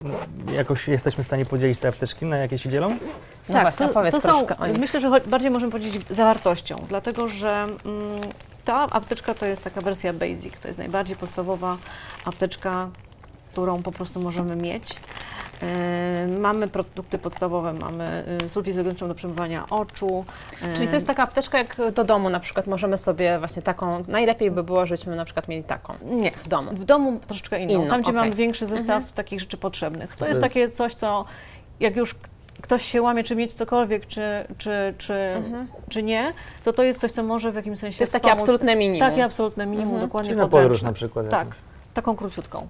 jakoś jesteśmy w stanie podzielić te apteczki, na jakie się dzielą? No właśnie, opowiedz to są, troszkę o nich. myślę, że bardziej możemy powiedzieć zawartością, dlatego że ta apteczka to jest taka wersja basic, to jest najbardziej podstawowa apteczka, którą po prostu możemy mieć. Mamy produkty podstawowe, mamy sulfit izogeniczną do przemywania oczu. Czyli to jest taka apteczka jak do domu na przykład, możemy sobie właśnie taką, najlepiej by było, żebyśmy na przykład mieli taką Nie, w domu. w domu troszeczkę inną, tam gdzie okej. mamy większy zestaw takich rzeczy potrzebnych. To jest jest- takie coś, co jak już ktoś się łamie, czy mieć cokolwiek, czy nie, to jest coś, co może w jakimś sensie To jest takie wspomóc. absolutne minimum. Takie absolutne minimum, dokładnie Czyli na podróż podręczne. na przykład. Tak, jakąś. taką króciutką.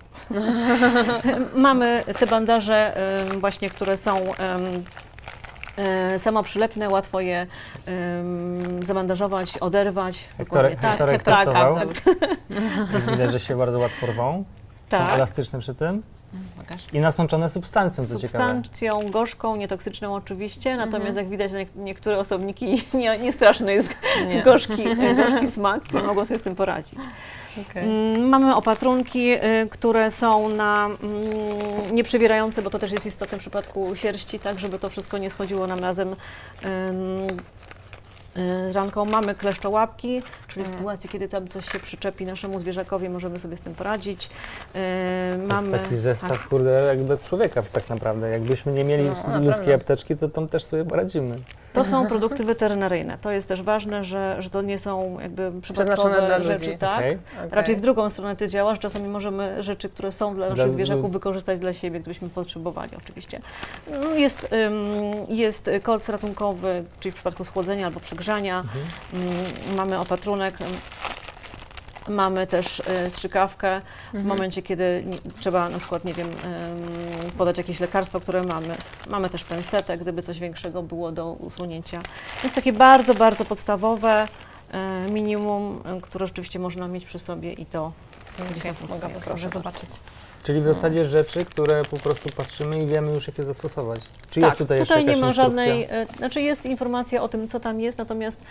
Mamy te bandaże właśnie, które są samoprzylepne, łatwo je zabandażować, oderwać. Dokładnie tak. Hektorek tak, testował. tak, Widać, że się bardzo łatwo rwą. Są tak. elastyczne przy tym. Pokaż. I nasączone substancją, co ciekawe. Substancją gorzką, nietoksyczną oczywiście, natomiast jak widać niektóre osobniki nie straszny jest Nie. gorzki smak, nie mogą sobie z tym poradzić. Okay. Mamy opatrunki, które są nieprzewierające, bo to też jest istotne w przypadku sierści, tak żeby to wszystko nie schodziło nam razem z ranką. Mamy kleszczołapki, czyli w sytuacji, kiedy tam coś się przyczepi naszemu zwierzakowi, możemy sobie z tym poradzić. To jest taki zestaw, kurde, jak do człowieka tak naprawdę. Jakbyśmy nie mieli ludzkiej naprawdę. apteczki, to tam też sobie poradzimy. To są produkty weterynaryjne. To jest też ważne, że to nie są jakby Przeznaczone dla przypadkowe ludzi. rzeczy, tak? Okej. Raczej w drugą stronę ty działasz, czasami możemy rzeczy, które są dla naszych Dla- zwierzaków wykorzystać dla siebie, gdybyśmy potrzebowali oczywiście. No, jest kolc ratunkowy, czyli w przypadku schłodzenia albo przegrzania. Mamy opatrunek. Mamy też strzykawkę w momencie, kiedy trzeba na przykład, nie wiem, podać jakieś lekarstwo, które mamy. Mamy też pensetę, gdyby coś większego było do usunięcia. Jest takie bardzo, bardzo podstawowe minimum, które rzeczywiście można mieć przy sobie i to gdzieś tam Mogę funkcjonuje. sobie Proszę bardzo. zobaczyć. Czyli w zasadzie rzeczy, które po prostu patrzymy i wiemy już, jak je zastosować. Czy Tak, jest tutaj jeszcze tutaj nie jakaś ma instrukcja? żadnej, znaczy jest informacja o tym, co tam jest, natomiast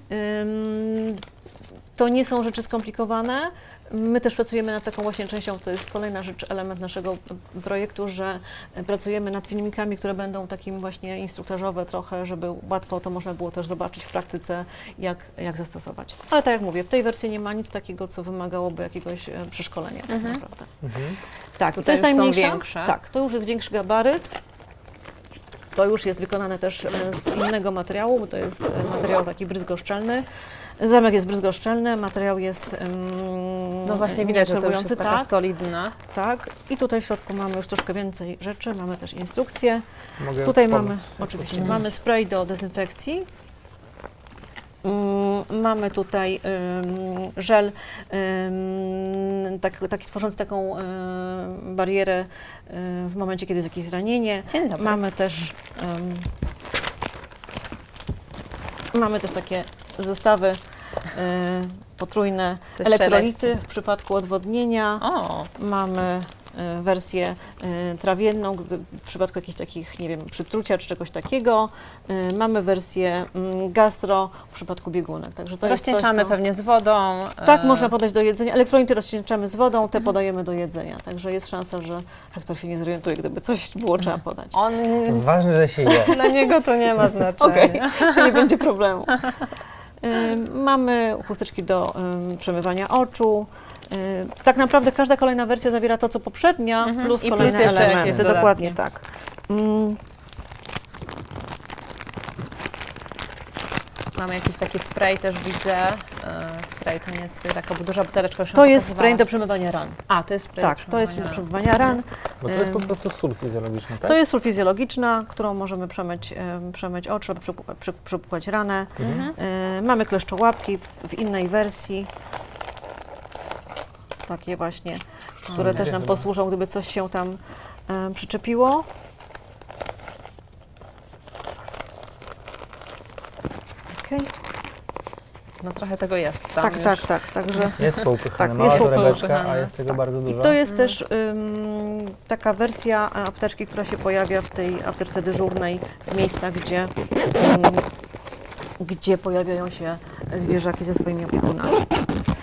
to nie są rzeczy skomplikowane. My też pracujemy nad taką właśnie częścią, to jest kolejna rzecz, element naszego projektu, że pracujemy nad filmikami, które będą takim właśnie instruktażowe trochę, żeby łatwo to można było też zobaczyć w praktyce, jak zastosować. Ale tak jak mówię, w tej wersji nie ma nic takiego, co wymagałoby jakiegoś przeszkolenia tak naprawdę. Tak, Tutaj to jest już są najmniejsza. większe. Tak, to już jest większy gabaryt. To już jest wykonane też z innego materiału, bo to jest materiał taki bryzgoszczelny. Zamek jest bryzgoszczelny, materiał jest No właśnie widać, że to już nieabsorbujący, jest taka tak, solidna. tak. I tutaj w środku mamy już troszkę więcej rzeczy, mamy też instrukcję. Mogę Tutaj pomóc? mamy, oczywiście, mamy spray do dezynfekcji. Mamy tutaj żel, taki tworzący taką barierę w momencie, kiedy jest jakieś zranienie. Dzień dobry. Mamy też takie zestawy potrójne, Coś elektrolity szeleści. w przypadku odwodnienia. O, Mamy wersję trawienną w przypadku jakichś takich, nie wiem, przytrucia czy czegoś takiego. Mamy wersję gastro w przypadku biegunek. Także to jest rozcieńczamy coś, co... pewnie z wodą. Tak, można podać do jedzenia. Elektrolity rozcieńczamy z wodą, te podajemy do jedzenia. Także jest szansa, że Hektor się nie zorientuje, gdyby coś było trzeba podać. On, Ważne, że się je. dla niego to nie ma znaczenia. Okej, czyli nie będzie problemu. Mamy chusteczki do przemywania oczu. Tak naprawdę każda kolejna wersja zawiera to, co poprzednia, plus I kolejne plus jeszcze jakieś elementy. dodatki. Dokładnie tak. Mamy jakiś taki spray też widzę. Spray to nie jest spray, taka duża buteleczka już To nam jest spray do pokazywałaś. przemywania ran. A, to jest spray Tak, to jest do przemywania ran. Bo to jest po prostu sól fizjologiczny, tak? To jest sól fizjologiczna, którą możemy przemyć oczy, przepłukać ranę. Mamy kleszczołapki w innej wersji. Takie właśnie, które też nam posłużą, gdyby coś się tam przyczepiło. Okej. No trochę tego jest tam Tak, już. tak. Także Jest poupychane, Tak, mała jest torebeczka, poupychane. a jest tego bardzo i dużo. to jest też taka wersja apteczki, która się pojawia w tej apteczce dyżurnej w miejscach, gdzie pojawiają się zwierzaki ze swoimi opiekunami.